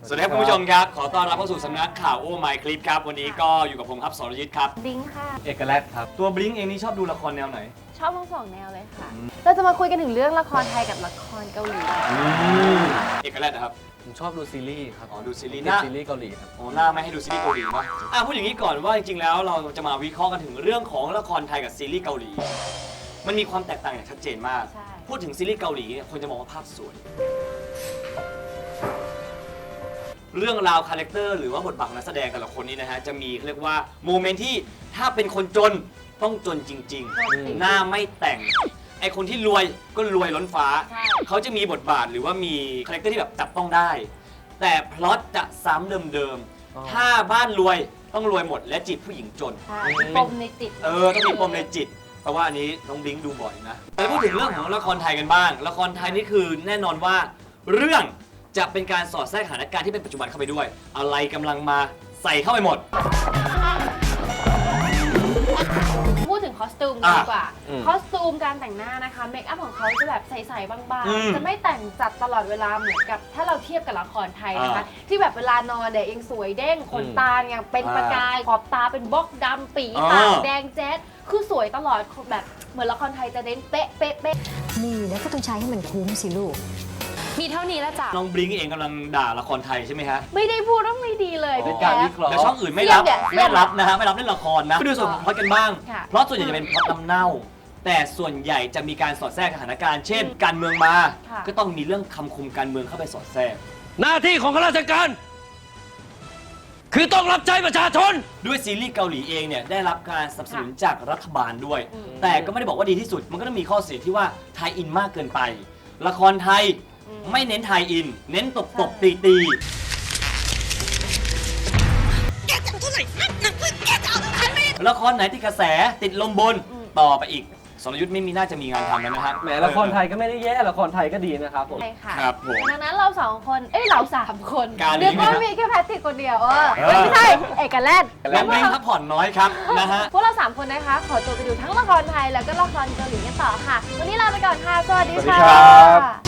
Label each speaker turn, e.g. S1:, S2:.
S1: สวัสดีครับคุณผู้ชมครับขอต้อนรับเข้าสู่สำนักข่าวโอ้ไมค์คลิปครับวันนี้ก็อยู่กับผมครับสรยุทธครับ
S2: บลิงค่ะ
S3: เอกลักษณ์ครับ
S1: ตัวบลิงเองนี่ชอบดูละครแนวไหน
S2: ชอบทั้งสองแนวเลยค่ะ เราจะมาคุยกันถึงเรื่องละครไทยกับละครเกาหลี
S1: เอกลักษณ์นะครับ
S3: ผมชอบดูซีรีส์ครับ
S1: อ๋อดูซีรีส์
S3: ติดซีรีส์เกาหลีครับ
S1: โอ้หน้าไม่ให้ดูซีรีส์เกาหลีป่ะพูดอย่างนี้ก่อนว่าจริงๆแล้วเราจะมาวิเคราะห์กันถึงเรื่องของละครไทยกับซีรีส์เกาหลี มันมีความแตกต่างอย่างชัดเจนมาก
S2: ใช่
S1: พูดถึงซีรีส์เกาหลีเนี่ยคนจะมองว่าภาพสวย เรื่องราวคาแรคเตอร์หรือว่าบทบาทของนักแสดงแต่ละคนนี้นะฮะจะมีเรียกว่าโมเมนต์ที่ถ้าเป็นคนจนต้องจนจริง ๆ หน้าไม่แต่งไอคนที่รวยก็รวยล้นฟ้า
S2: ใช่
S1: เขาจะมีบทบาทหรือว่ามีคาแรคเตอร์ที่แบบจับต้องได้ แต่พล็อตจะซ้ำเดิม
S3: อ๋อ
S1: ๆถ้าบ้านรวยต้องรวยหมดและจีบผู้หญิงจน
S2: ใช่มีปมในจิต
S1: ต้องมีปมในจิตเพราะว่าอันนี้น้องบลิงก์ดูบ่อยนะแต่พูดถึงเรื่องของละครไทยกันบ้าง ละครไทยนี่คือแน่นอนว่าเรื่องจะเป็นการสอดแทรกสถานการณ์ที่เป็นปัจจุบันเข้าไปด้วย อะไรกำลังมาใส่เข้าไปหมด
S2: พูดถึงคอสตูม
S1: อ่ะ
S2: ดีกว่า คอสตูมการแต่งหน้านะคะ เมคอัพของเขาจะแบบใสๆบาง
S1: อืม
S2: ๆ จะไม่แต่งจัดตลอดเวลาเหมือนกับถ้าเราเทียบกับละครไทยนะคะ ที่แบบเวลานอนเนี่ยยังสวยเด้งขนตาเนี่ยเป็นประกาย ขอบตาเป็นบล็อกดำปีปากแดงแจ๊ดคือสวยตลอดแบบเหมือนละครไทยจะเน้นเป๊ะเป๊ะเป๊ะ
S4: นี่แล้วก็ต้องใช้ให้มันคุ้มสิลูก
S2: มีเท่านี้แล้วจ้ะ
S1: น้องบลิงก์เองกำลังด่าละครไทยใช่ไหมฮะ
S2: ไม่ได้พูดว่าไม่ดีเลย
S3: เป็
S2: พี่
S3: นการ
S2: แจ๊
S3: วิเคราะห์
S1: แล้วช่องอื่นไม่รับ
S2: เสี่ยงเนี่ย
S1: ไม่รับนะฮะไม่รับเล่นละครนะไปดูส่วนของพล็อตกันบ้าง
S2: ค่ะ
S1: เพราะส่วนใหญ่จะเป็นพล็อตน้ำเน่า แต่ส่วนใหญ่จะมีการสอดแทรกสถานการณ์ เช่น การเมืองมา
S2: ค่ะ
S1: ก็ต้องมีเรื่องคำคมการเมืองเข้าไปสอดแทรก
S3: หน้าที่ของข้าราชการ คือต้องรับใช้ประชาชน
S1: ด้วยซีรีส์เกาหลีเองเนี่ยได้รับการสนับสนุนจากรัฐบาลด้วย แต่ก็ไม่ได้บอกว่าดีที่สุด มันก็ต้องมีข้อเสียที่ว่าไทยอินมากเกินไป ละครไทยไม่เน้นไทยอิน เน้นตบตี ละครไหนติดกระแสติดลมบนต่อไปอีกสรยุทธ์ไม่มีน่าจะมีงานทำแล้วนะฮะ
S3: แหมละครไทยก็ไม่ได้แย่ละครไทยก็ดีนะครับผม
S2: ใช่ค่ะ
S1: ครับผม
S2: ดังนั้นเราสองคน เราสามคน
S1: การนี้
S2: เรียกว่า
S1: ไหมฮะ
S2: มีแค่แพทริกคนเดียว
S1: เออ
S2: ไม่ใช่ เอกลักษณ์
S1: น้องบลิงก์พักผ่อนน้อยครับนะฮะ
S2: พวกเราสามคนนะคะ ขอตัวไปดูทั้งละครไทยแล้วก็ละครเกาหลีกันต่อค่ะ วันนี้ลาไปก่อนค่ะ สวัสดี
S3: สวัสดี
S2: ค่ะ
S3: ครับ